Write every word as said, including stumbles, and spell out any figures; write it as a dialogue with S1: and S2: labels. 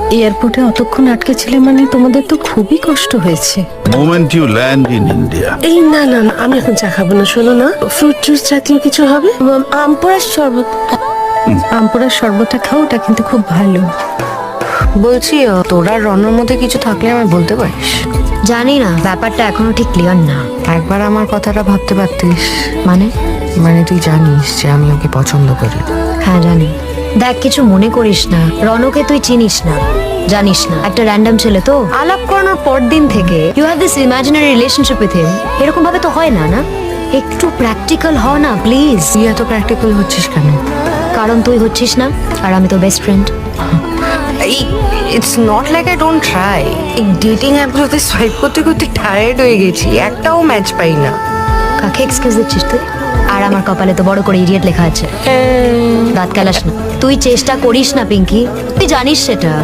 S1: এয়ারপোর্টে অতক্ষণ আটকে ছিলে মানে তোমাদের তো খুবই কষ্ট হয়েছে।
S2: Moment you land in India.
S3: এই না না না আমি এখন চা খাবো না, শোনো না, ফ্রুট জুস জাতীয় কিছু হবে, আম পোড়ার শরবত।
S1: আমপুরার শরবতটা খাও, ওটা কিন্তু খুব ভালো।
S4: বলছি তোরা রনের মধ্যে কিছু থাকলে আমায় বলতে পারিস।
S5: জানি না, ব্যাপারটা এখনো ঠিক ক্লিয়ার না।
S4: একবার আমার কথাটা ভাবতে পারতিস।
S5: মানে?
S4: মানে তুই জানিস যে আমি ওকে পছন্দ করি।
S5: হ্যাঁ জানি। দেখ, কিছু মনে করিস না, রনকে তুই চিনিস না, জানিস না, একটা র্যান্ডম ছেলে তো। আলাপ করানোর পর দিন থেকে you have this imaginary relationship with him. এরকম ভাবে তো হয় না, না? একটু প্র্যাকটিক্যাল হ না প্লিজ।
S4: তুই এত প্র্যাকটিক্যাল হচ্ছিস কেন?
S5: কারণ তুই হচ্ছিস না, আর আমি তো best friend.
S4: It's not like I don't try. এই ডেটিং অ্যাপগুলোতে সোয়াইপ করতে করতে টায়ার্ড হয়ে গেছি, একটাও ম্যাচ পাই না।
S5: কাকে এক্সকিউজ দিচ্ছিস তুই? আর আমার কপালে তো বড় করে ইডিয়েট লেখা আছে। দাঁত কেলাস না, তুই চেষ্টা করিস না পিঙ্কি, তুই জানিস সেটা।